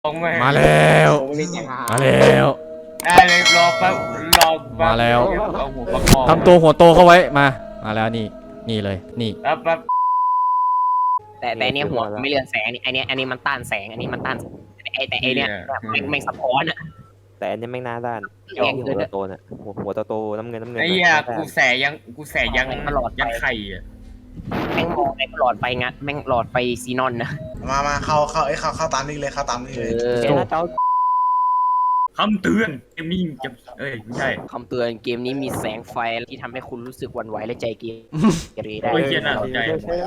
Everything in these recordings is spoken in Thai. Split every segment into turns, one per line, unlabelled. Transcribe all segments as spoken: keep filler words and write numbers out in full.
มาแล้วมาแล้ว
ได้เลยรอแป๊บรอ
มาแล้วทำตัวหัวโตเข้าไว้มามาแล้วนี่นี่เลยนี่
แป๊บแป๊บ
แต่แต่เนี้ยหัวไม่เรืองแสงนี่ไอเนี้ยอันนี้มันต้านแสงอันนี้มันต้านไอแต่ไอเนี้ยแม่งแม่งสะท้อนอ่ะ
แต่อันนี้แม่งหน้าด้านหัวโตๆน่ะหัวหัวโตๆน้ำเงินน้ำเงิน
ไอ้เหี้ยกูแสยังกูแสยัง
ตลอด
ยังไข่อ่ะ
แม่งมองแม่งหลอดไฟงัดแม่งหลอดไฟซีนอนนะ
มามาเข้าเข้าไอ้เข้าเข้าตามนี่เลยเข้าตามนี่เลย
คำเตือนเกมนี้จะเอ้ยไม่ใช่
คำเตือนเกมนี้มีแสงไฟที่ทำให้คุณรู้สึกหวั่นไหวและใจเกเรได้
โอ้ยเหี้ยน่าสนใจ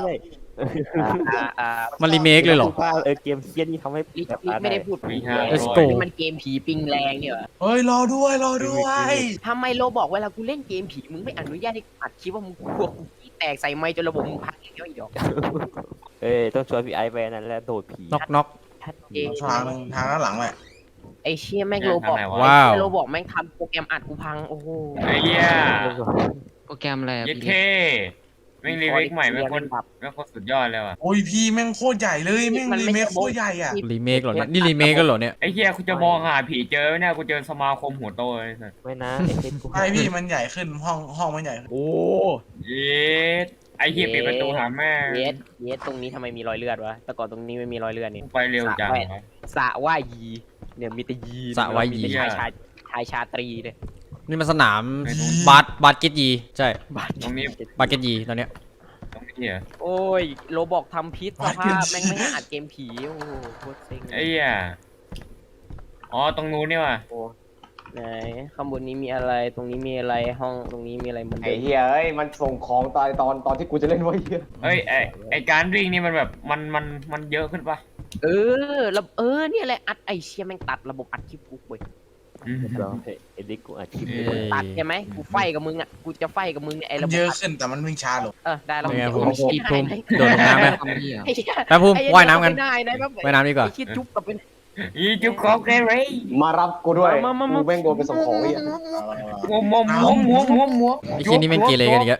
มันรีเมคเลยเหรอ
เออเกมเคียนี่ทำให้
ไม่ได้พูดผีมันเกมผีปิงแรงเนี่ย
เฮ้ยรอด้วยรอด้วย
ทำไมโลบอกเวลากูเล่นเกมผีมึงไม่อนุญาตให้อัดคลิปว่ามึงกลัวกูแตกใส่ไมค์จนระบบมึงพังอย่างเดียวอีกดอก
เอ้ยต้องชวนพี่ไอไปนั่นแหละโดดผี
น็อกน็อก
ทางทางด้านหลังแหละ
ไอเชี่ยแม่งโลบอก
ว้าว
โลบอกแม่งทำโปรแกรมอัดกูพังโอ้โห
ไอ้เหี้ย
โปรแกรมอะไร
เย้เท่แม่งรีเมคใหม่แม่งคนแม่งคนสุดยอดเลยว่ะ
โอ้ยพี่แม่งโคตรใหญ่เลยแม่งรีเมคโคตรใหญ่อ่ะ
รีเมคเหรอนี่รีเมคกันเหรอเนี่ย
ไอ้เหี้ยกูจะมองหาผีเจอเนี่ยกูเจอสมาคมหัวโตเลยสัส
ไม่นะ
ไอพี่มันใหญ่ขึ้นห้องห้องมันใหญ่
โอ้
เย็ดไอ้เหี้ยปิดประตูหาแม่
เย็ดเย็ดตรงนี้ทำไมมีรอยเลือดวะแต่ก่อนตรงนี้ไม่มีรอยเลือดนี่
ไปเร็วจัง
สระว่ายยีเนี่ยมีแต่ยี
สระว่ายยี
ชายชาชายชาตรีเลย
นี่มันสนามบาสบาสเกตยีใช่
ตรงนี้
บาสเกตยีตอนเนี้ย
ตรงนี้อ่ะ
โอ้ยโรบอกทำพิษสภาพแม่งไม่ให้อัดเกมผีโอ้โหโคตรเซ็ง
ไอ้เหี้ยอ๋อตรงนู้นนี่ว่ะ
ไหนข้างบนนี้มีอะไรตรงนี้มีอะไรห้องตรงนี้มีอะไรมัน
ไอ้เหี้ยเอ้ยมันส่งของตอนตอนตอนที่กูจะเล่นไว้เหี้ย
เฮ้ยไอ้ไอ้การวิ่งนี่มันแบบมันมันมันเยอะขึ้นปะ
เออแล้วเออเนี่ยแหละอัดไอเชี่ยแม่งตัดระบบอัดคลิปกูเว้ย
เอ็ดดิกูอัดคลิป
ตัดใช่ไหมกูไฟกับมึงอ่ะกูจะไฟกับมึงเนี่ยไอ้ระบบ
เยอะขึ้นแต่มันวิ่งช้าลง
เออได้แล้ว
ผมผมผมโดดลงน้ำไหมแป๊บพุ่มว่ายน้ำกันว่ายน้ำดีกว่า
คิดจุ๊บกับเป็น
อีจุ๊บของแกเรย์
มารับกูด้วยกูแม่งโดนไปส่งของอีก
มัวมัวมัวมัวมัวมัว
ไอ้ชิ้นนี้เป็นเกเรกันอีกแล้ว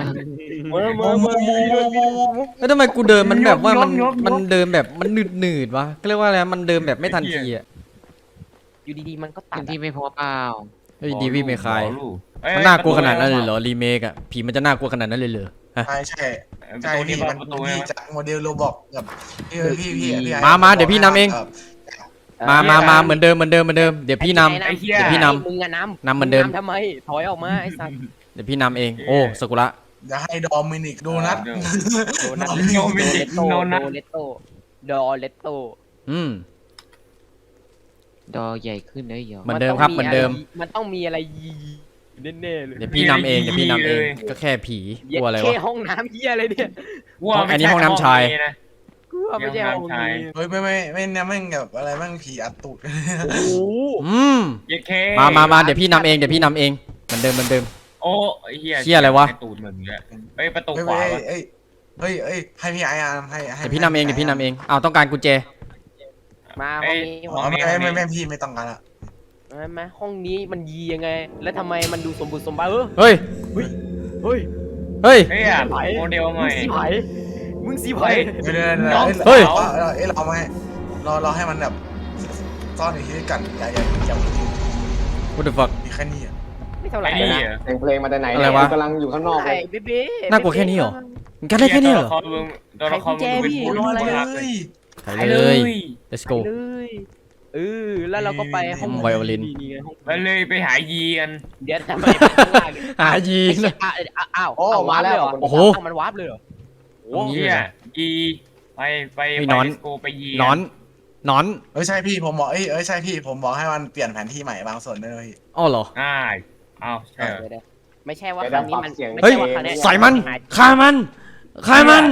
แล้วทำไมกูเดินมันแบบว่ามันมันเดินแบบมันหนืดหนืดวะก็เรียกว่าอะไรมันเดินแบบไม่ทันทีอ่ะ
อยู่ดีๆมันก็ตัดที่ไม่พอเปล่า
เฮ้ยดีวีไม่คลายมันน่ากลัวขนาดนั้นเลยเหรอรีเมคอะผีมันจะน่ากลัวขนาดนั้นเลยเหรอ
ใช่ใช่ใช่พี่มันพี่จากโมเดลโรบอกกับพี่พี่พี่พี่
มามาเดี๋ยวพี่นำเองมามามาเหมือนเดิมเหมือนเดิมเหมือนเดิมเดี๋ยวพี่นำเดี๋ยวพี่น
ำมึงอะน
ำนำเหมือนเดิม
ทำไมถอยออกมาไอ้สัส
เดี๋ยวพี่นำเองโอ้สกุระ
จะให้ดอมินิกโดนัท
โดนัทโดมินิกโดนัทเลตโตดอเลตโต
อืม
ดอใหญ่ขึ้นเลยเหรอ
เหมือนเดิมครับเหมือนเดิม
มันต้องมีอะไรยีแน่ๆเลย
เดี๋ยวพี่นำเองเดี๋ยวพี่นำเองก็แค่ผีกลัวอะไรวะ
แค่ห้องน้ำเหี้ยอะไรเนี่ย
อันนี้ห้องน้ำชาย
กูว่าไม่ใช่ห้องนี้
เฮ้ยไม่ไม่ไม่เนี่ยแม่งแบบอะไรแม่งผีอัดตูด
โอ้
อืมมามามาเดี๋ยวพี่นำเองเดี๋ยวพี่นำเองเหมือนเดิมเหมือนเดิม
โอ้เฮีย
เฮียอะไรวะ
ตูดเหมือนเงี้ยเฮ้ยประตูขวา
เฮ้ยเฮ้ยเฮ้ยให้พี่ไอ้ให้ให้
เดี๋ยวพี่นำเองเดี๋ยวพี่นำเองอ้าวต้องการกุญแจ
มาห้องนี้ห้องนี้
ไม่ไม่ไม่พี่ไม่ต้องการละ
ไม่ไม่ห้องนี้มันยียังไงแล้วทำไมมันดูสมบูรณ์สมบัติ
เฮ้ย
เฮ้ยเฮ้ย
เฮ้ย
เฮ้ยโมเดลใหม่
สีไผ่มึงสีไผ่
เฮ้ยเฮ้ยเอ้ยเราไม่เราเราให้มันแบบซ่อนอยู่ที่กันอย่าอย่าอย่า
What the fuck
มีแค่นี้
ไม่เท่าไหร่
นะเพลงเพลงมาแต่ไหนเนี่ยกำลังอยู่ข้างนอกเลย
น่ากลัวแค่นี้เหรอมันกันได้แค่นี้เหรอ
ตัวละครมึงเป็นผู้รู้เลย
ไปเลย let's go
เออแล้วเราก็ไปห้อง
ไวโอลิน
ไปเลยไปหายีกัน
เดี๋ยวทำไม
หายี
นะอ้าว
โอ้มาแล้ว
โอ้โหมันวาร์ปเลยเหรอ
โอ้ยยีไปไปไปโกไปยี
นอนนอน
เออใช่พี่ผมบอกเอ้ยเออใช่พี่ผมบอกให้มันเปลี่ยนแผนที่ใหม่บางส่วนด้วยพี่
อ๋อเหรอ
อ่าเอาใช่
ไม่ใช่ว่าครั้งนี้มัน
เฮ้ยใส่มันฆ่ามันฆ่ามัน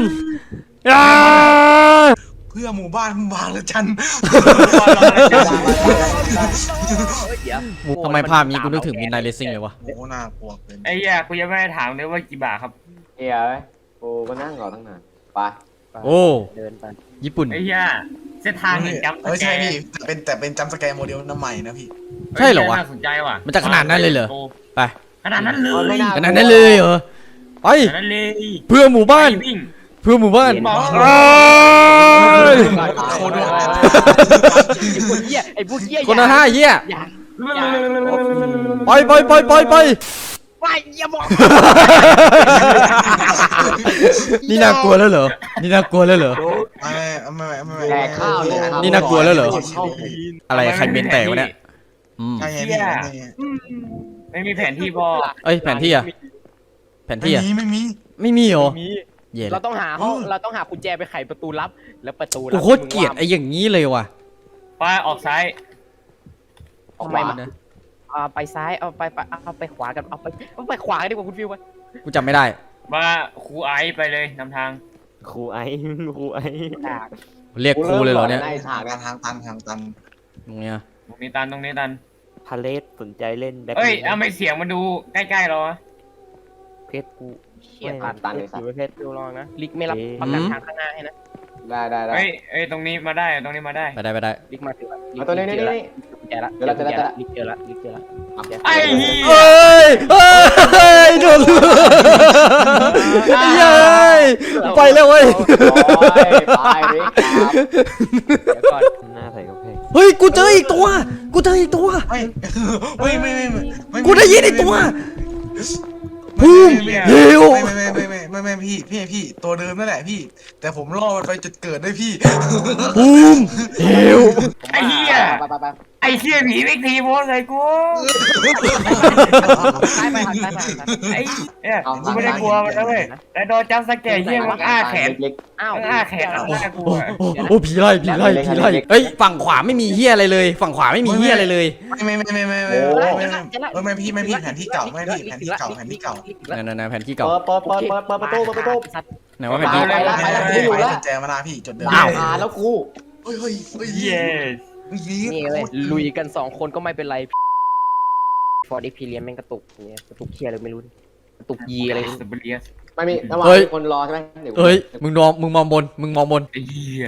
เพื่อหมู่บ้านบางละจัน
ทำไมภาพนี้กูนึกถึงมินไนท์เรซซิ่งเลยวะ
โอ้น่ากลัวเป็น
ไอ้ยากูยังไม่ได้ถามเลยว่ากี่บาทครับ
เฮ้ยโอ้ก็นั่งรอตั้งนานไป
โอ้เดินไปญี่ปุ่น
ไอ้ยาเส้นทางจำสแกร์
ใช่พี่เป็นแต่เป็นจำสแกร์โมเดลน้ำใหม่นะพี่
ใช่เหรอวะ
น่าสนใจว่ะ
มันจะขนาดนั้นเลยเหรอไป
ขนาดนั้นเลย
ขนาดนั้นเลยเหรอไปเพื่อหมู่บ้านเพื่อหมู่บ้านย
โคตรไอ้พวกเหี้ยไอ้พวกเหี้ย
คนละห้าเหี้ย
อย่า
ไปไปไปไปไป
ไปอย่าบอก
นี่น่ากลัวแล้วเหรอนี่น่ากลัวแล้วเหรอ
ไม่ไม่ไม่ไม่
แดกข้าวเลย
นี่น่ากลัวแล้วเหรอ อะไรใครเมนแตกวะเนี่ยอืม
ใช่ไงพี่
ไม่มีแผนที่พ่อ
เอ้ยแผนที่อะแผน
ไม่
ที่อะ
มีไม่มี
ไม่มีเหรอเย่
เราต้องหาห้องเราต้องหากุญแจไปไขประตูลับแล้วประตูลั
กูโคตรเกลียดไอ้อย่างนี้เลยว่ะ
ป้าออกซ้าย
ทำไมมันเอาไปซ้ายเอาไปไปเอาไปขวากันเอาไปเอาไปขวากันดีกว่าคุณฟิววะ
กูจำไม่ได้
มาครูไอซ์ไปเลยนำทาง
ครูไอ้ครูไอ้
เรียกครูเลยเหรอเนี่ย
ในฉาก
ทางทางตันทางตัน
ตรงเนี้ย
ตรงนี้ตันตรงนี้ตัน
พาเลสสนใจเล่นแบ็ค
เอ้ยเอาไม่เสียงมันดูใกล้ๆเราอะ
เพชรกู
เชี่ย
ไม่
ตันตันเลยสัตว์เพชรดูลองนะลิกไม่รับประกันทางข้างหน้าให้นะ
ได้ได้ได้
เอ้ยเอ้ยตรงนี้มาได้ตรงนี้มาได้
ไปได้ไปได้
ลิกมาถึงละ
เอาตัวนี้นี่นี่
กุญแจละเจอละเจอละลิกเจอละลิกเจอละ
ไอ้เหี้ย
เอ้ยเอ้ยโดนเย้ยไปแล้วเว้ย
ไปริก
เดี๋ยวก่อน
หน้าใส่กระเพง
เฮ้ยกูเจออีกตัวกูเจออีกตัว
ไม่ไม่ไม่ไม่ไม่
กูได้ยินอีกตัวบูมฮิว
ไม่ไม่ไม่ไม่ไม่ไม่พี่พี่พี่ตัวเดิมนั่นแหละพี่ แต่ผมล่อมันไปจุดเกิดได้พี่
บูมฮิว
ไอ้เหี้ย
ไปไปไป
ไอ้เหี้ยผีไม่ทีโพสเลยกู
ซ้ายไปหันซ้ายไปหัน
ไอ้เนี่ยกูไม่ได้กลัวมันนะเว้ยแต่โดนจับสแกร์เหี้ยมันอ้าแขน
เล็ก
อ้าว
มันอ้าแขนแล้วน่ากลัว
โอ้โอ้ผีไล่ผีไล่ผีไล่เฮ้ยฝั่งขวาไม่มีเฮียอะไรเลย ฝั่งขวาไม่มีเฮียอะไรเลย
ไม่ไม่ไม่ไม่ไม่ไม่ไม่ไม่ไม่พี่ไม่พี่แผนที่เก่าไม่พี่แผนที่เก่าแผนที่เก่า
นั่นนั่นแผนที่
ๆ
เก่า
เปิดเปิดเปิดเปิดเปิดประตูเปิดประตู
ไหนว่าแผนที่
ไปละไปละกูอยู่ละ
แจมานาพี่จุดเดิม
อ้าวหาแล้วกู
เฮ้ยเฮ้ยเฮ้ย
เย้
นี่เลยลุยกันสองคนก็ไม่เป็นไรฟอร์ดอีพีเลียนแม่งกระตุกเนี่ยกระตุกเคียอะไรไม่รู้กระตุกยีอะไร
สเปเรียส
ไม่มีระหว่างคนรอใช่ไหมเดี๋ยว
เฮ้ยมึงมองมึงมองบนมึงมองบน
ไอ้เหี้ย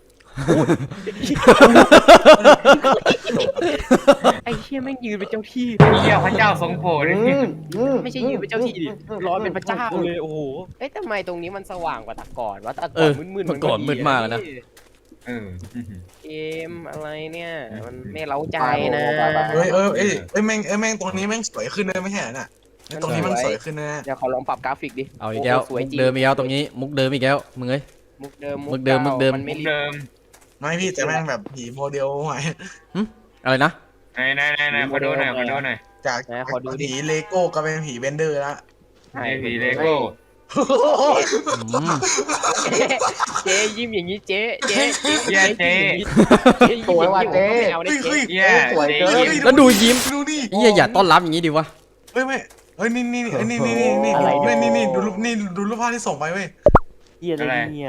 ไอ้เชี่ยแม่งยืนเป็นเจ้าที่
ไอ้เหี้ยพระเจ้าทรงโปรด
อืมอืม
ไม่ใช่ยืนเป็นเจ้าที่ดิร้อนเป็นพระเจ้าเลยโอ้โหเอ๊ะทำไมตรงนี้มันสว่างกว่าแต่ก่อนวะแต่
เอ
ก่อ
อน
มืดๆ
เมื่อก่อนมืดมากแล้วนะ
เออ
เกมอะไรเนี่ยมันไม่เล้าใจนะ
เฮ้ยเออเอ้ยเอ้ยแม่งเอ้ยแม่งตรงนี้แม่งสวยขึ้นเลยไม่ใช่น่ะตรงนี้มันสวยขึ้นนะ
เดี๋ยวขอลองปรับกราฟิกดิ
เอาอีกแล้ว
สวย
มุก
จริง
เดิมอีกแล้วตรงนี้มุกเดิมอีกแล้วมึงเอ้ย
มุกเดิม
มุกเดิมมุกเดิม
มันไม่รีบ
เดิม
ไม่พี่แต่แม่งแบบผีโมเดลใหม่
อะไรนะ
ไหนไหนไหนไหนขอดูหน่อยขอดูหน่อย
จากผีเลโก้ก็เป็นผีเบนเดอร์ละ
ไอ้ผีเลโก้
อืม
เจ๊ยิ้มอย่างนี้เจ๊เจ๊เจ๊
เหี้ยเจ๊
สวยว่ะเจ๊
ไม่เอาได้เจ๊
เหี้ย
สวยเกิน
แล้วดูยิ้ม
ดูดิ
เฮียอย่าต้อนรับอย่างนี้ดิวะ
เฮ้ยไม่เฮ้ยนี่นี่นี่นี่นี่นี่นี่นี่นี่ดูรูปนี่ดูรูปภาพที่ส่งไปเว้ย
เหี้ยอะไรเนี่ย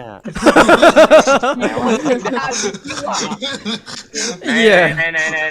เฮีย
ไหนไหนไหน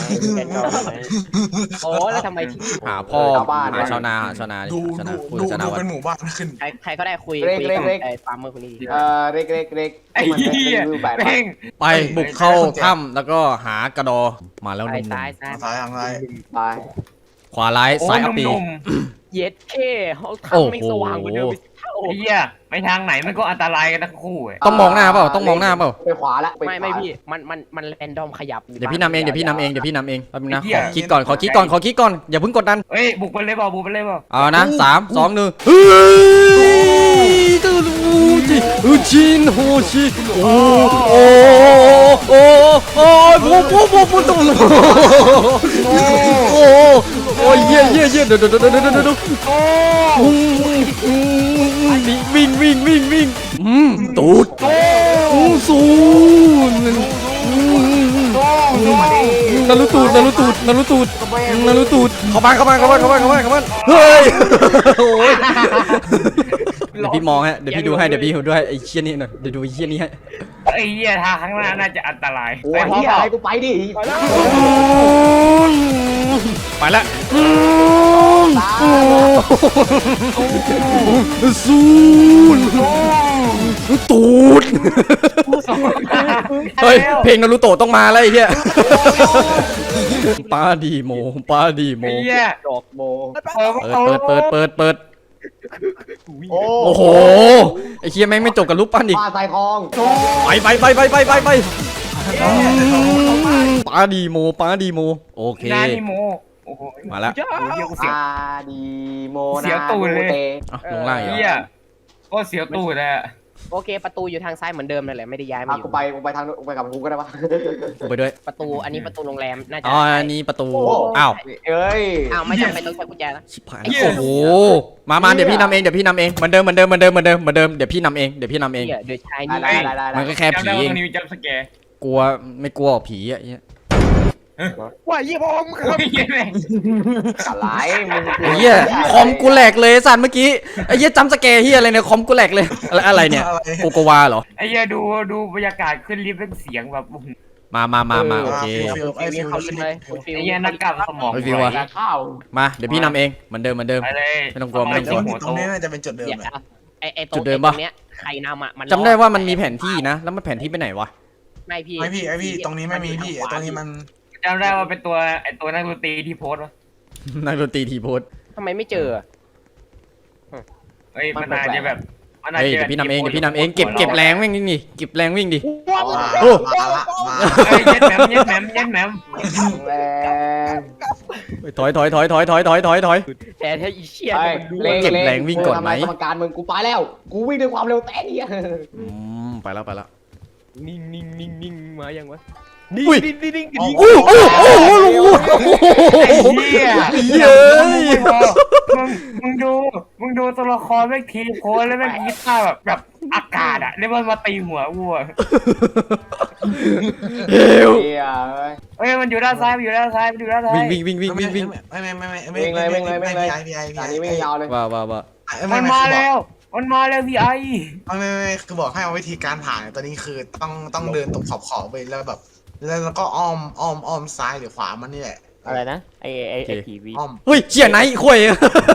โอ้แล้วทำไมที่
หาพ่อหาชาวนาหาชาวนาดิ
ดู
ชาวนา
ดู
คุย
ดู
ชาวนา
ดู
วั
เป็น นหมู่บ้านขึ้น
ใครใครก็ได้คุยคุยกับไอ้ฟาร์มเมอร์คนนี้ดิ
เอ่อเล็กเล็กเล็ก
ไอ้เหี้ยแม่ง
ไปบุกเข้าถ้ำแล้วก็หากระดอมาแล้วห
ซ้าย
นุ่ม
ซ้ายซ้าย
ซ้ายทางซ้าย
ไป
ๆขวาร้ายซ้ายอัปปี
เย็ดเค้เขาทำไม่สว่างกว่าเดิมเท่า
ไอ้เหี้ยไปทางไหนมันก็อันตรายกันทั้งคู่อ่ะ
ต้องมองหน้าเปล่าต้องมองหน้าเปล่า
ไปขวาละ
ไม่ไม่พี่มันมันมันแรนดอมขยับ
เดี๋ยวพี่นำเองเดี๋ยวพี่นำเองเดี๋ยวพี่นำเองแป๊บนึงนะขอคิดก่อนขอคิดก่อนขอคิดก่อนอย่าเพิ่งกดดัน
เฮ้ยบุกไปเลยเปล่าบุกไปเลยเปล่า
เอานะสามสองหนึ่งเฮ้ยตูรูจิอุจินโฮชิโอ้โอ้โอ้โอ้โอ้โอ้โอ้โอ้ตูโอ้โอ้โอ้เย่เย่เย่เดี๋ยวเดี๋ยวเดี๋ยวเดี๋ยวเดี๋ยวเดี๋ยววิ่งวิ่งวิ่งวิ่งอืมตูดอืมสูนนารุตูดนารุตูดนารุตูดนารุตูดเข้าบ้านเข้าบ้านเข้าบ้านเข้าบ้านเข้าบ้านเข้าบ้านเฮ้ยโอ้ยเดี๋ยวพี่มองฮะเดี๋ยวพี่ดูให้เดี๋ยวพี่ดูด้วยไอ้เชี่ยนี่หน่อยเดี๋ยวดูไอ้เชี่ยนี่ให้
ไอ้เหี้ยทางข้างหน้าน่าจะอันตราย
โอ้
ไป
ย
พร้อม
เฮีย
เปล่า
อะไรกูไปดิ
ไปละซูนตูดเฮ้ยเพลงนารูโตะต้องมาแล้วไอ้เหี้ยปาดีโมปาดีโม
ไอ้เหี้ย
ดอกโม
เปิด
เปิดเปิดเปิดเปิดเปิด
โอ้
โอ้โหไอ้เคียแม่งไม่จบกับรูปปั้นอีก
ปลาใส่ทอง
ไปไปไปไปไปไปไปปาดีโมปาดีโมโอเค
นานิโมโอ้โห
มาแล้ว
เฮียกู
ป
เสียว
ลาดีโม
เสียวตูดเลย
นาโมต
อ่ะลงล่างอีก
เฮี
เหร
ย
อ
ก็เสียวตูดเลยอะ
โอเคประตูอยู่ทางซ้ายเหมือนเดิมนั่นแหละไม่ได้ย้ายมา
อ่ะ
อยู่
กูไปกูไปทางกูไปกับกูก็ได้ปะ
กูไปด้วย
ประตูอันนี้ประตูโรงแรมน่าจะ
อ๋ออันนี้ประตู
โอ้
อ้าว
เอ้ย
อ้าวไม่จำเป็นต้องใช้กุญแจนะ
ชิบหายโอ้โหมามาเดี๋ยวพี่นำเองเดี๋ยวพี่นำเองเหมือนเดิมเหมือนเดิมเหมือนเดิมเหมือนเดิมเหมือนเดิมเดี๋ยวพี่นำเองเดี๋ยวพี่นำเอง
เดี๋ยวเดี๋ยวใช้
ได้
นี่
ได้ได้ได้
มันก็แค่
จำ
ผี
ได้
เอ
ว่าง มันมีจัมป์สแกร์
กลัวไม่กลัวผีอ่ะเหี้ย
ว่ายี่ห้อมึง
โอ้ยเหี้ยแม่ง
สลายมึง
ไอ้เหี้ยคอมกูแหลกเลยสัตว์เมื่อกี้ไอ้เหี้ยจำสแกร์เหี้ยอะไรเนี่ยคอมกูแหลกเลยอะไรอะไรเนี่ย
อะไร
โกโกวาเหรอ
ไอ้เหี้ยดูดูบรรยากาศขึ้นลิฟต์เป็นเสียงแบบโอ้โห
มามามามาโอเค
ฟิลไอ้ฟิล
เขาลิฟต์เลยคุณฟิ
ไอ้
ว
เหี้ยนักกลับสมอง
ไอ้ฟิวอะ
ไหว
ข้าว
มาเดี๋ยวพี่นำเองเหมือนเดิมเหมือนเดิม
ไปเลย
ไม่ต้องกลัวไม่ต้องกลัว
หัว
ตร
โต
งนี้น่าจะเป็นจุดเดิม
เดี๋ยว
แหละ
ไอไอตร
จุ
ง
ดเดิม
ต
ปะ
รงเนี้ยใครนำอ่ะมัน
จำได้ว่ามันมีแผนที่นะ แล้วมันแผนที่ไปไหนวะ
ไม่พี่
ไม่พี่ไอพี่ตรงนี้ไม่มีพี่ไอ้ตรงนี้มัน
จำได้ว่าเป็นตัวไอ้ตัวนักดนตรีที่โพสต์วะ
นักดนตรีทีโพส
ทำไมไม่เจอ
เฮ้ยมันอาจจะแบบมันอาจ
เฮ้ย
จะ
เดี๋ยวพี่นำเอง
แบบ
เดี๋ยวพี่นำเองเก็บเก็บแรงวิ่งนี่เก็บแรงวิ่งดิ
มา
โอ้
มาละมา
เฮ้ยเย็ดแหมมเย็ดแหมมเย็ดแหมม
แรง
ถอยถอยถอยถอยถอยถอยถอยถอย
แต่ถ้าอีเชี่ย
ไป
มันดู
เล่น
เก็บแรงวิ่งก่อนไหม
กรรมการมึงกูไปแล้ว กูวิ่งด้วยความเร็วแต่เนี่ย
อืมไปแล้วไปแล้ว
นิ่งนิ่งนิ่งนิ่งมายังวะ
อุ้ย
นิ่งนิ่งนิ่งนิ่ง
โอ้โอ้โอ้โอ้โอ้
ไอ้เหี้ย
เย้ย
มึงมึงดูมึงดูตัวละครแม่งทีโพสแล้วแม่งกีตาร์แบบแบบอากาศอะแล้วมันมาตีหัววัว
เฮล
เฮียเอ้ย
เฮ้ยมันอยู่ด้านซ้ายมันอยู่ด้านซ้ายมันอยู่ด้านซ้าย
วิ่งวิ่งวิ่งวิ่งวิ่งวิ่ง
ไม่ไม่ไม่ไม่ไม่พี่ไอพี่ไอ
ตอน
พี่
นี้
ไอ
ไม่ยาวเลย
ว่าว่าว่า
มันมาแล้วมันมาแล้วพี่ไอ
ไม่ไม่ไม่คือบอกให้เอาวิธีการผ่านตอนนี้คือต้องต้องเดินตรงขอบขอบไปแล้วแบบแล้วก็อ้อมอ้อมอ้อมซ้ายหรือขวามันนี่แหละ
อะไรนะไอไอไอผีวี
อ้อม
เฮ้ยเชี่ยไหนข่วย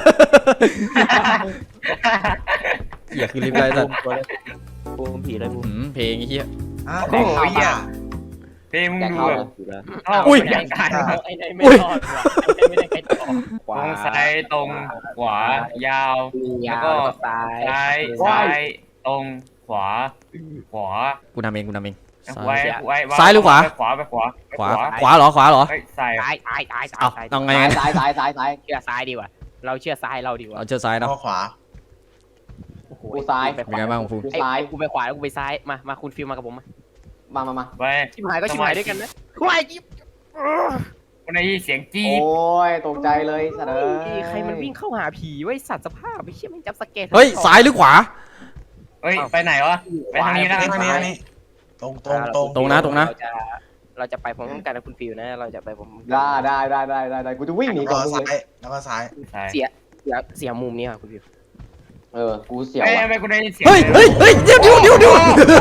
เหี้ยคือรีบไล่สัตว์
ตัวเลยบูมผีเลยบูม
อืมเพลงไอ้เหี้ย
อ่ะ
โอ้โหเหี้ยเฮ้ยมึง
แก
ดู
เข้า
แบ
เล
บ
ยผีเลย
อ้าว
อุ้ย
บรรยากาศ
ไอ้ไหนไม่รอดว่ะไอ้ไหนไม่ได้ใครต่อ
ขวา
ตรงซ้ายตรงขวายาว
ยาวแล้วก็ซ้าย
ซ้ายซ้ายตรงขวาขวา
กูนำเองกูนำเองซ้า
ไว้
ย
ไว้
ซ้ายหรือขวา
ไปขวาไปขวาไป
ขวาขวาเหรอขวาเหรอ
เฮ้ยซ้าย
ซ้ายซ้ายซ้ายซ้าย
เอา
ซ้าย
เอาไง
ซ้ายซ้ายซ้ายซ้าย
เชื่อซ้ายดีกว่าเราเชื่อซ้ายเราดีกว่า
เอาเชือกซ้ายเนาะ
เอาขวา
กูซ้าย
เป็นไงบ้างฟู
กู
ไอ้
ซ้าย
กูไปขวาแล้วกูไปซ้ายมามาคุณฟิลมากับผมมา
มามามา
ไป
ชิบหายก็ชิบหายด้วยกันนะว้ายจิ๊บ
คนในเสียงจี๊
โอ้
ด
ยตกใจเลยสัตว์เอ้ย
ใครมันวิ่งเข้าหาผีไว้สัตว์สภาพไปเชี่ยมันจับสเก็ต
เฮ้ยซ้ายหรือขวา
เฮ้ยไปไหนวะไปทางนี้นะ
ทางนี้ทางนี้ตรงตรงตรง
ตรงนะตรงนะ
เราจะเราจะไปพร้อมกันนะคุณฟิลนะเราจะไปผม
ได้ได้ได้ได้ได้ได้กูจะวิ่งหนี
แล้ว
ก่อ
ก็
นมึง
ซ้า
เลย
ยแล้วก็ซ้าย
ใช่
เสียเสียเสียมุมนี้ค่ะคุณฟิล
เออกูเสียว
เฮ้ย
ว่ะ
ทำไมกูได้ยินเสียง
เฮ้ยเฮ้ยเฮ้ยเดี๋ยวเดี๋ยวเดี๋ยวเดี๋ยว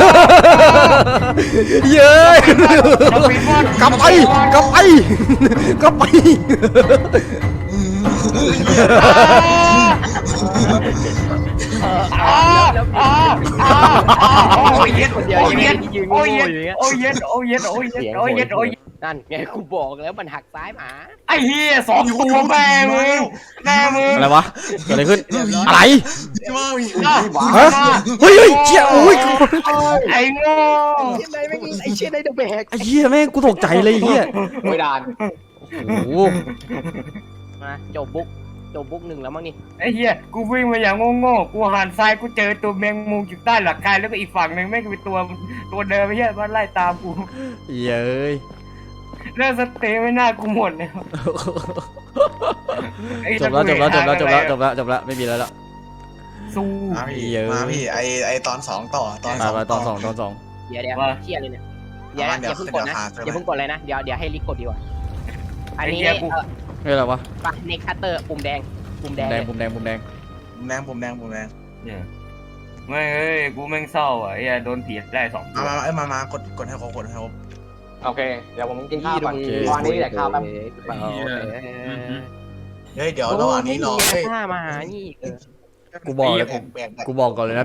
เย้ยกลับไปกลับไปกลับไป
อ้าวอ้าวอ้าวโอ้ยเย็ด
คนเดียว
โอ้ย
ยัง
เย็ด
ยืน
โอ้ย
โง่
เย็ด
อยู่อย่างเงี้ย
โอ้ยเย็ดโอ้ยเย็ดโอ้ยเย็ดโอ้ยเย็ดโอ้ยเย็ด
นั่นไงกูบอกแล้วมันหักซ้ายหมา
ไอ้เหี้ยสองตัวแม่มึงแม่มึง
อะไรวะเกิดอะไรขึ้นอะไร
ว้าว
ฮะเฮ้ยเฮ้ยเชี่ยโอ้ย
ไอ้โง่
เชี่ยไหนไม่งไอ้เชี่ยไหนเดอะแบก
ไอ้เหี้ยแม่งกูตกใจเลยไอ้เหี้ย
ไม่ดาน
โอ้โห
มาจบบุ๊กจบบุ๊กหนึ่งแล้วมั้งนี่
ไอ้เหี้ยกูวิ่งมาอย่างโง่ๆกูหันซ้ายกูเจอตัวแมงมุมอยู่ใต้หลังคาแล้วก็อีกฝั่งหนึ่งแม่งเป็นตัวตัวเดิมไอ้เหี้ยมันไล่ตามกู
เย้ย
แล้วสเตย์ไม่น่ากูหมดแล้วไอ้
จบแล้วจบแล้วจบแล้วจบแล้วจบแล้วจบแล้วไม่มีแล้วละ
สู้
มาพี่มาพี่ไอไอตอนสองต่อตอน
ไป
สอง
ไปตอนสองตอนสอง
เดี๋ยวเดี๋ยว
ว่า
เชี่ยเลยเนี่ยเดี๋ยว
เอามา
อย่าเพิ่งกดนะ
เดี๋ยว
อย่าเพิ่งกดเลยนะเดี๋ยวเดี๋ยวให้ลิกกดดีกว่าอันนี้
ไอ้เหี้ยกู
เออ
เฮ้ยอะไรวะ
ปะเน็กคัตเตอร์ปุ่มแดงปุ่มแดง
แดง
เลย
ปุ่มแดงปุ่มแดง
ผมแดงผมแดงผมแดง
ไม่เอ้ยกูแม่งเศร้าอ่ะไอ้เหี้ยโดนผีไล่สองตั
มาว มาเอ้ยมามากดกดให้เขากดให้เขา
โอเคเดี๋ยวผมกินข้าวก่อนตอนนี้เดี๋ยวข้าวแป๊บ
โอเค
เฮ้ยเดี๋ยวระหว่างนี้รอ
โอ้
เฮ้ย
ยไม่มีท่ามาหานี่
กูบอกเลย
แบกแบก
กูบอกก่อนเลยนะ